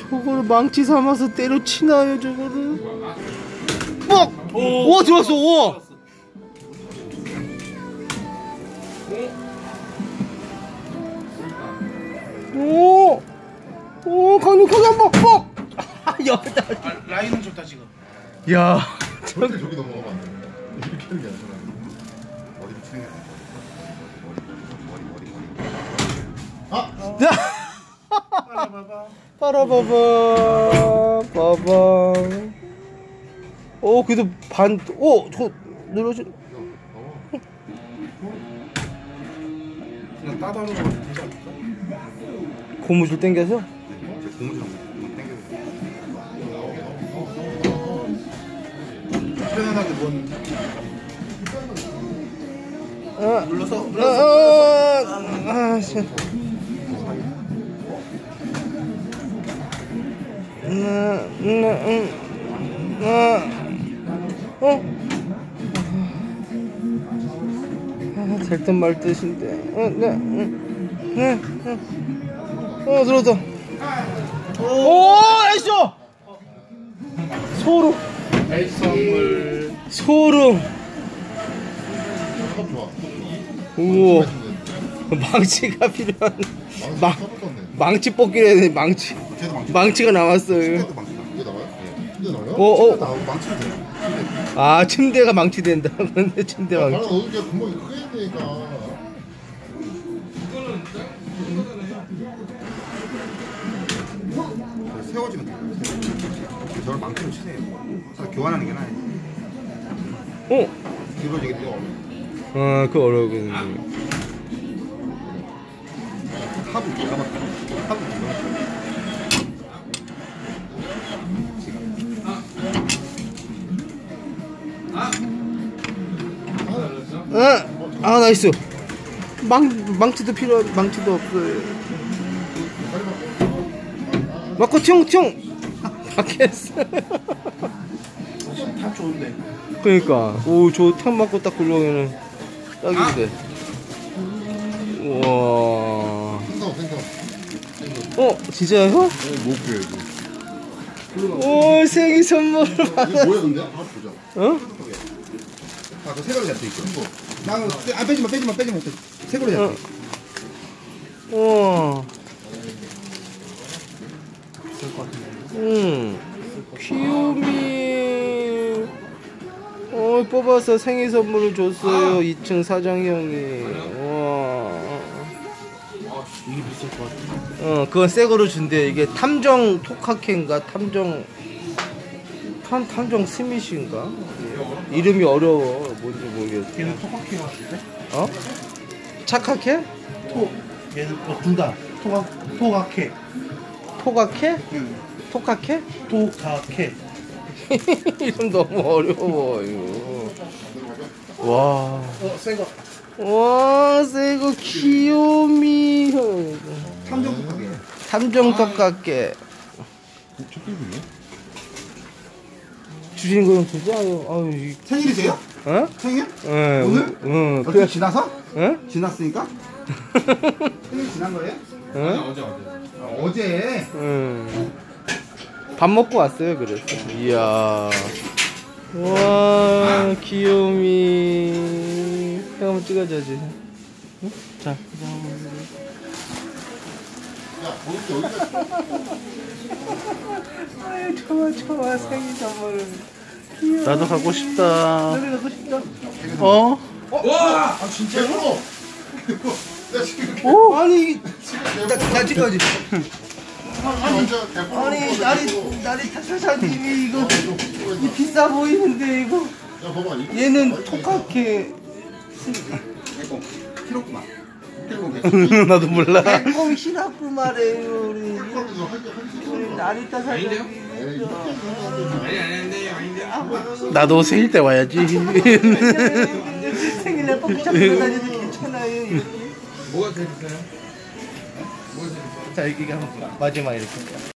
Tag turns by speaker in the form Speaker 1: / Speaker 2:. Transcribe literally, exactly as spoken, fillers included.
Speaker 1: 저거를 망치 삼아서 때려치나요 저거를? 뻑! 오, 오 들어왔어. 오! 오! 오 강력하게 한번 뻑! 여기다.
Speaker 2: 아, 라인은 좋다 지금.
Speaker 1: 야
Speaker 3: 절대 저기 넘어가면 안 돼. 이렇게 하는 게 아니라 머리 붙이는 게 아니라 머리 머리 머리 머리. 아!
Speaker 2: 봐봐.
Speaker 1: 빠라바바 빠바. 오 그래도 반. 오 저 눌러주.
Speaker 2: 그냥 따다는 거 되지 않을까?
Speaker 1: 고무줄 당겨서?
Speaker 3: 제 고무줄 당겨.
Speaker 2: 편안하게 뭔
Speaker 1: 아,
Speaker 2: 눌러서
Speaker 1: 아,
Speaker 2: 눌러서
Speaker 1: 아, 아, 씨. 음, 음, 음, 아, 어? 아, 될 듯 말 듯인데. 어, 네, 음, 네, 음. 어, 들어왔다. 오, 나이스! 소름.
Speaker 2: 선물.
Speaker 1: 소름.
Speaker 3: 컵 좋아.
Speaker 1: 우와. 망치가 필요한. 망, 망치 뽑기로 해야 돼, 망치.
Speaker 3: 걔도 망치.
Speaker 1: 망치가 나왔어요.
Speaker 3: 침대도 망치. 이게 나와요? 네. 침대 나와요?
Speaker 1: 어, 어.
Speaker 3: 침대 나오고 망치도 돼요. 침대.
Speaker 1: 아, 침대가 망치된다. 근데 침대
Speaker 3: 바로
Speaker 1: 망치.
Speaker 3: 넣으니까 구멍이 크게 되니까. 세워지면 돼요. 저를 망치로 치세요. 그래서 교환하는 게 나아요.
Speaker 1: 어?
Speaker 3: 이거 이게 또
Speaker 1: 아, 그거 어려우겠네.
Speaker 3: 하부 기가 막혀. 하부 기가 막혀.
Speaker 1: 아, 아, 나이스. 망, 망치도 필요한, 망치도 없어요. 맞고 튀용, 튀용! 박혔어.
Speaker 2: 다 좋은데.
Speaker 1: 그니까. 오, 저 탕 맞고 딱 굴러오면은 딱인데. 우와.
Speaker 3: 생각 생각.
Speaker 1: 어, 진짜요?
Speaker 3: 못 그래야지.
Speaker 1: 오, 생일 선물.
Speaker 3: 이거 뭐야 근데? 한번 보자.
Speaker 1: 어?
Speaker 3: 아, 그 색깔이 잡혀 있어. 나 안 빼지 마, 빼지 마, 빼지 마. 색으로 잡혀.
Speaker 1: 어. 우와. 응. 귀요미. 어, 뽑아서 생일 선물을 줬어요. 이 층 사장형이. 와.
Speaker 2: 이게 비쌀 것 같아.
Speaker 1: 어, 그건 새 거로 준대. 이게 탐정 토카케인가? 탐정. 탐, 탐정 스미시인가? 이름이 어려워. 뭔지 모르겠어.
Speaker 2: 얘는 토카케 같은데?
Speaker 1: 어? 착하케?
Speaker 2: 토. 얘는 어, 둘 다. 토가 토가케.
Speaker 1: 토가케?
Speaker 2: 응.
Speaker 1: 토카케?
Speaker 2: 토가케.
Speaker 1: 이름 너무 어려워 이거. 와.
Speaker 2: 어, 새 거.
Speaker 1: 와, 새거 귀요미.
Speaker 2: 탐정 토카케.
Speaker 1: 탐정 토카케.
Speaker 3: 촛불이네.
Speaker 1: 주신 거좀 주자. 아유, 이-
Speaker 2: 생일이세요?
Speaker 1: 어?
Speaker 2: 생일?
Speaker 1: 응.
Speaker 2: 오늘?
Speaker 1: 응.
Speaker 2: 어떻게
Speaker 1: 그래.
Speaker 2: 지나서?
Speaker 1: 응?
Speaker 2: 지났으니까? 생일 지난 거예요?
Speaker 1: 응?
Speaker 2: 어제 어제. 아, 어제.
Speaker 1: 응. 밥 먹고 왔어요. 그래서. 이야. 와, 귀요미. 형 한번 찍어줘야지. 응? 자.
Speaker 3: 야, 거기 여기가
Speaker 1: 아유, 좋아, 좋아. 생일 선물을. 귀여워. 나도 가고 싶다.
Speaker 2: 나도 가고 싶다.
Speaker 1: 어?
Speaker 2: 와! 아 진짜로?
Speaker 3: 나 지금
Speaker 1: 오?
Speaker 2: 아니
Speaker 1: 나, 나 찍어야지.
Speaker 3: 완전 대포.
Speaker 2: 아니 나리 나리 타사사님이 이거 이 비싸 보이는데 이거
Speaker 3: 야, 봐봐. 이거
Speaker 1: 얘는 토카케.
Speaker 3: 필요구나.
Speaker 1: 나도 몰라.
Speaker 2: 백곰 시라프 말해요 우리
Speaker 3: 이거 할 게- 할 게-
Speaker 2: 우리 나리 타사사님이
Speaker 3: 에이, 이거
Speaker 1: 나도 생일 때 와야지.
Speaker 2: 생일날 뽑기샵 다녀도 괜찮아요 이렇게.
Speaker 4: 뭐가 제일 비싸요? 뭐가 제일 비싸요?
Speaker 1: 자, 이게 한번 마지막 이렇게.